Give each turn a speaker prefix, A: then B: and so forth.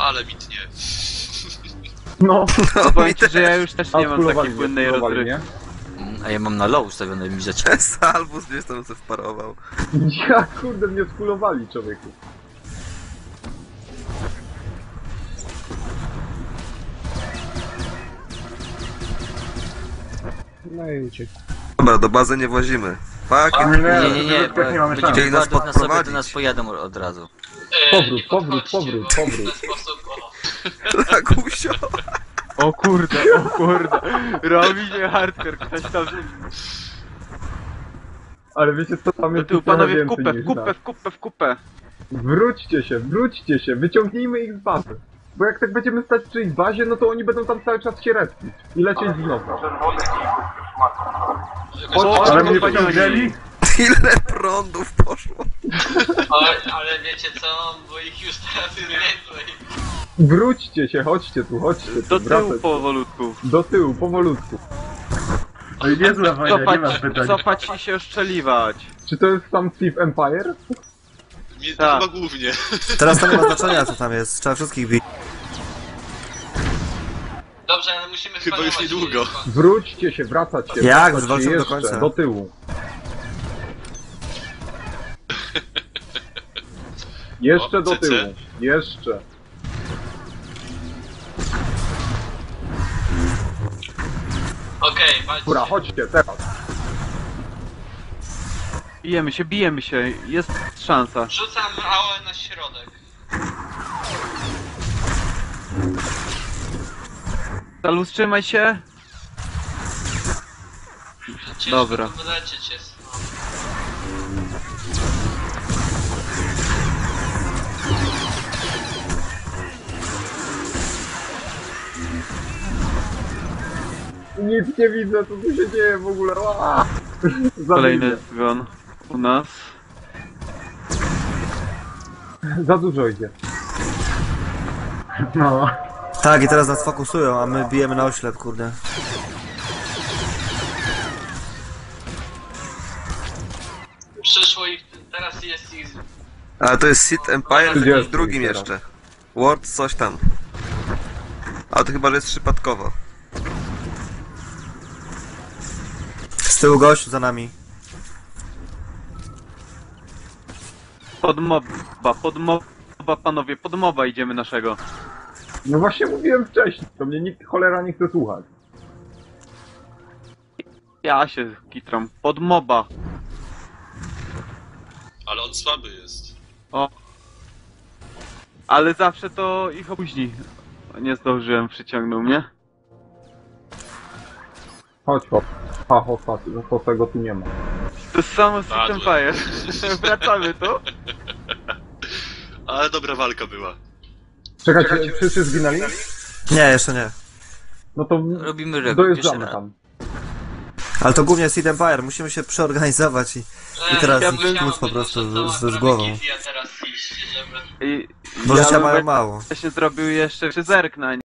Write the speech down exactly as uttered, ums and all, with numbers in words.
A: Ale bitnie.
B: No,
C: No powiem ci, że ja już też nie mam takiej płynnej rozrywki.
B: nie?
D: A ja mam na low ustawione mi zaciąg.
E: Salbus gdzieś tam se wparował.
B: Ja kurde mnie skulowali, człowieku. No i uciekł.
E: Dobra, do bazy nie włazimy. Fuck.
B: Nie,
D: Nie, nie, nie, bo
B: nie mamy
D: jak
B: szans.
E: Chcieli
D: będziemy
E: nas
D: ładować na sobie, to
E: podprowadzić.
D: nas pojadą od razu.
B: Powrót,
A: nie
B: powrót,
A: podchodźcie,
B: powrót,
A: bo
B: powrót.
A: W ten sposób, o.
E: Lagusio.
C: O kurde, o kurde. Robi się hardcore, ktoś tam...
B: Ale wiecie co tam
C: Do
B: jest
C: tyłu,
B: trochę
C: panowie, w
B: więcej
C: kupę,
B: niż
C: w kupę,
B: nas.
C: w kupę, w kupę.
B: Wróćcie się, wróćcie się, wyciągnijmy ich z bazy. Bo jak tak będziemy stać przy ich bazie, no to oni będą tam cały czas się respić i lecieć znowu.
C: O,
B: ale
C: ale
B: mnie
C: mnie
B: wciągnęli?
E: Ile prądów poszło.
A: Ale, ale wiecie co, bo ich już teraz jest więcej.
B: Wróćcie się, chodźcie tu, chodźcie tu,
C: Do tyłu
B: wracać.
C: powolutku.
B: Do tyłu, powolutku.
F: To nie zła wojna, nie ma
C: Cofać,
F: pytań.
C: cofać i się oszczeliwać.
B: Czy to jest sam Steve Empire?
A: Mnie to
C: Tak.
A: chyba głównie.
E: Teraz to nie ma znaczenia co tam jest. Trzeba wszystkich bić.
A: Dobrze, ale musimy
G: Chyba już
A: sparować
G: niedługo.
A: się.
B: Wróćcie się, wracać się,
E: Jak?
B: wracać się
E: Walczymy do
B: jeszcze,
E: końca.
B: do tyłu. Jeszcze
G: O,
B: do
G: C C.
B: tyłu, jeszcze.
A: Okej, walczcie.
B: Dobra, chodźcie, teraz.
C: Bijemy się, bijemy się, jest szansa.
A: Rzucam A O E na środek.
C: Salus, trzymaj się.
A: Ciężko
C: Dobra.
A: tu wyleczyć jest. No.
B: Nic nie widzę, co tu się dzieje w ogóle. Aaa! Za
C: Kolejny
B: dużo.
C: zgon u nas.
B: Za dużo idzie.
F: No.
E: Tak, i teraz nas fokusują, a my bijemy na oślep, kurde.
A: Przyszło ich, teraz jest ich...
E: Ale to jest Sith Empire,
B: Gdzie
E: tylko w
B: jest
E: drugim
B: teraz?
E: jeszcze. Ward coś tam. A to chyba, że jest przypadkowo. Z tyłu gość za nami.
C: Pod moba, pod moba panowie, pod moba idziemy naszego.
B: No właśnie mówiłem wcześniej, to mnie nikt cholera nie chce słuchać.
C: Ja się kitram. Pod moba.
G: Ale on słaby jest.
C: O. Ale zawsze to ich opóźni. Nie zdążyłem, przyciągnął mnie.
B: Chodź, hop. Ha, hop, ha, no to tego tu nie ma.
C: To jest samo z
G: Padłem.
C: Empire. Wracamy tu.
G: Ale dobra walka była.
B: Czekajcie, wszyscy zginęli?
E: Nie, jeszcze nie.
B: No to
D: Robimy regu, pierwszy
B: dojeżdżamy
D: raz.
B: tam.
E: Ale to głównie Sith Empire, musimy się przeorganizować i, i teraz
C: ja
E: ich
C: bym-
E: tłuc po prostu
A: Musiała
E: z, z głową.
A: Gildia teraz iść, żeby...
C: I
E: Bo życia
C: bym
E: mają mało.
C: właśnie zrobił jeszcze zerk na